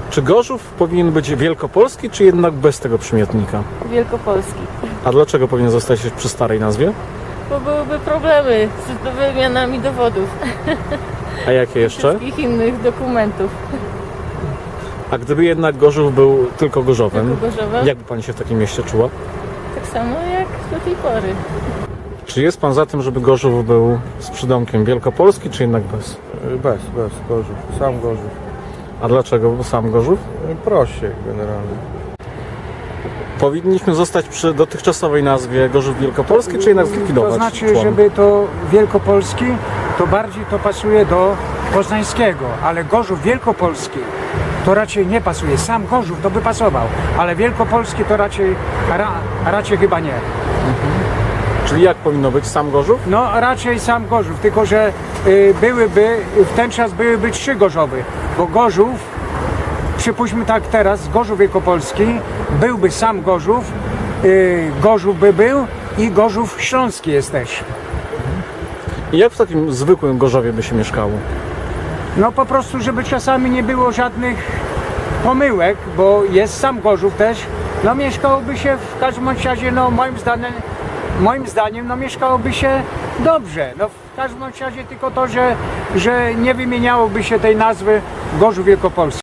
Czy Gorzów powinien być wielkopolski, czy jednak bez tego przymiotnika? Wielkopolski. A dlaczego powinien zostać przy starej nazwie? Bo byłyby problemy z wymianami dowodów. A jakie jeszcze? Wszystkich innych dokumentów. A gdyby jednak Gorzów był tylko Gorzowem, Tylko Gorzowem? jak by Pani się w takim mieście czuła? Tak samo jak do tej pory. Czy jest Pan za tym, żeby Gorzów był z przydomkiem wielkopolski, czy jednak bez? Bez Gorzów, sam Gorzów. A dlaczego sam Gorzów? Prościej generalnie. Powinniśmy zostać przy dotychczasowej nazwie Gorzów Wielkopolski, czy jednak zlikwidować To znaczy, człon? żeby to Wielkopolski, to bardziej to pasuje do poznańskiego, ale Gorzów Wielkopolski to raczej nie pasuje. Sam Gorzów to by pasował, ale Wielkopolski to raczej chyba nie. Czyli jak powinno być sam Gorzów? No raczej sam Gorzów, tylko że w ten czas byłyby 3 Gorzowy, bo Gorzów, przypuśćmy tak teraz, Gorzów Wielkopolski, byłby sam Gorzów, Gorzów by był i Gorzów Śląski jest też. I jak w takim zwykłym Gorzowie by się mieszkało? No po prostu, żeby czasami nie było żadnych pomyłek, bo jest sam Gorzów też, no mieszkałoby się w każdym razie, no moim zdaniem, no mieszkałoby się dobrze. No w każdym razie tylko to, że nie wymieniałoby się tej nazwy Gorzów Wielkopolski.